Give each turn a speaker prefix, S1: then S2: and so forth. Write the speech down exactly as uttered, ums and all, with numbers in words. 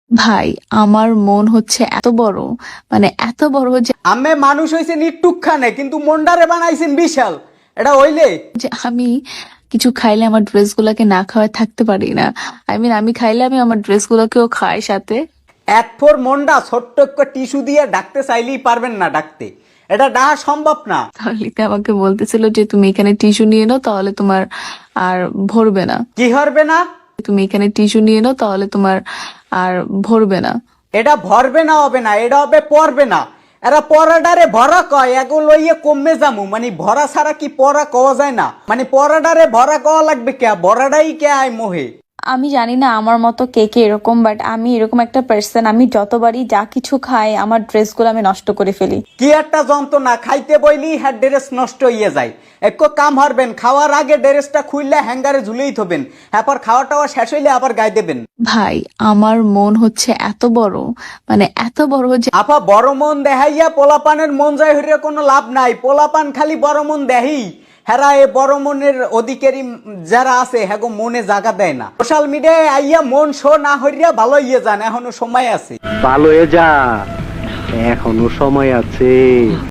S1: ভাই আমার মন হচ্ছে এত বড়, মানে এত বড় যে
S2: আমি মানুষ হইছেন ইটুকখানে কিন্তু মন্ডারে বানাইছেন বিশাল। এটা হইলে
S1: যে আমি কিছু খাইলে আমার ড্রেসগুলোকে না খাওয়ায় থাকতে পারি না। আই মিন আমি খাইলে আমি আমার ড্রেসগুলোকেও খাই সাথে।
S2: এক ফোর মন্ডা ছোট্ট একটা টিস্যু দিয়ে ডাকতে চাইলেই পারবেন না ডাকতে। এটা ডাকা সম্ভব না।
S1: তাহলে তো আমাকে বলতেছিল যে তুমি এখানে টিস্যু নিয়ে নাও, তাহলে তোমার আর ভরবে না।
S2: কি হরবে না?
S1: তুমি এখানে টিস্যু নিয়ে নাও, তাহলে তোমার আর ভরবে না।
S2: এটা ভরবে না হবে না, এটা হবে পড়বে না। এরা পরাডারে ভরা কয়, এগো লইয়ে কমে যামু। মানে ভরা ছাড়া কি পড়া কওয়া যায় না? মানে পরাডারে ভরা কওয়া লাগবে কে? ভরাডাই কে আয় মোহে।
S3: আমি জানি না আমার মতো কে কে এরকম, বাট আমি এরকম একটা পার্সন, আমি যতবারই যা কিছু খাই আমার ড্রেসগুলো আমি নষ্ট করে ফেলি।
S2: কি একটা যন্ত্রণা, খাইতে বইলি হ্যাঁ ড্রেস নষ্ট হইয়া যায়। এক কাম হারবেন, খাওয়ার আগে ড্রেসটা খুললে হ্যাঙ্গারে ঝুলেই থবেন, তারপর খাওয়া টাওয়া শেষ হইলে আবার গায়ে দেবেন।
S1: ভাই আমার মন হচ্ছে এত বড়, মানে এত বড় যে
S2: আপা বড় মন দেখাইয়া পোলাপানের মন যায় হইরে কোনো লাভ নাই। পোলাপান খালি বড় মন দেহি, হেরা এ বড় মনের অধিকারী যারা আছে হ্যাগো মনে জায়গা দেয় না। সোশ্যাল মিডিয়ায় আইয়া মন শো না হইয়া ভালো ইয়ে যান, এখনো সময় আছে।
S4: ভালো হয়ে যা, এখনো সময় আছে।